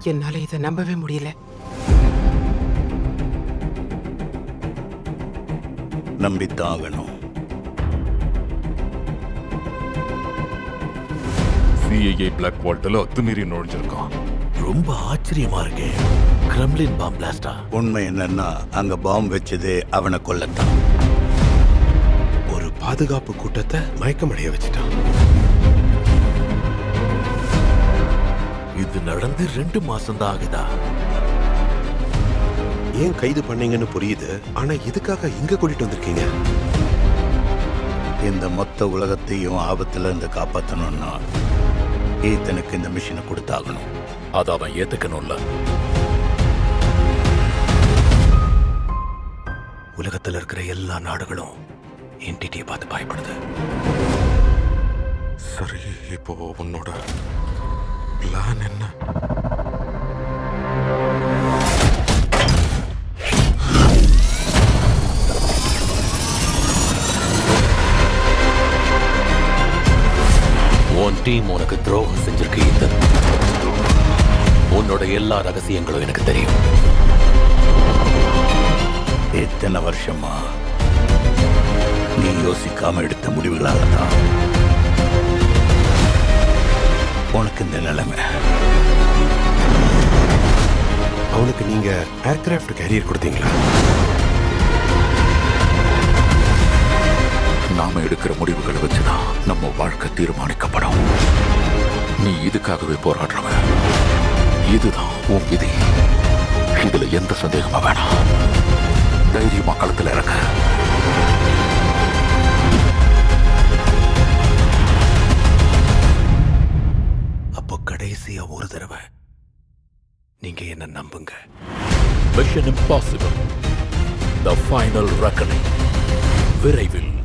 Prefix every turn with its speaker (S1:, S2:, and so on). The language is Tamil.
S1: என்னால இதை நம்பவே முடியல.
S2: நம்பித்தான் ஆகணும்.
S3: சிஐஏ பிளாக் வால்ட்ல அத்துமீறி நுழைஞ்சிருக்கான்.
S4: ரொம்ப ஆச்சரியமா இருக்கே. கிரெம்லின் பாம் பிளாஸ்டா?
S2: உண்மை என்னன்னா அங்க பாம்பு வச்சதே அவனை கொல்லத்தான்.
S5: ஒரு பாதுகாப்பு கூட்டத்தை மயக்கமடைய வச்சுட்டான்.
S4: இது நடந்து 2 மாசம் தான் ஆகுதா?
S5: ஏன் கைது பண்ணீங்கன்னு புரியுது, ஆனா இதுக்காக இங்க கூட்டிட்டு வந்திருக்கீங்க.
S2: இந்த மொத்த உலகத்தையும் ஆபத்துல இருந்து காப்பாற்றணும்னா ஈத்தனுக்கு இந்த மிஷினை கொடுத்தாகணும்.
S4: அதை அவன் ஏத்துக்கணும்ல. உலகத்துல இருக்கிற எல்லா நாடுகளும் என்டிட்டியை பார்த்து பயப்படுது.
S5: சரி, இப்போ உன்னோட பிளான் என்ன?
S4: உன் டீம் உனக்கு துரோகம் செஞ்சிருக்கு ஈத்தன். உன்னோட எல்லா ரகசியங்களும் எனக்கு தெரியும்.
S2: எத்தனை வருஷமா நீ யோசிக்காம எடுத்த முடிவுகளால தான் உனக்கு இந்த நிலைமை.
S5: அவனுக்கு நீங்க ஏர்கிராஃப்ட் கேரியர் கொடுத்தீங்களா?
S4: நாம எடுக்கிற முடிவுகளை வச்சுதான் நம்ம வாழ்க்கை தீர்மானிக்கப்படும். நீ இதுக்காகவே போராடுறவன். இதுதான் உன் விதி. இதுல எந்த சந்தேகமும் வேணாம். தைரியமா களத்துல இறங்க. அப்போ கடைசியா ஒரு தடவை நீங்க என்ன நம்புங்க. Mission Impossible The Final Reckoning விரைவில்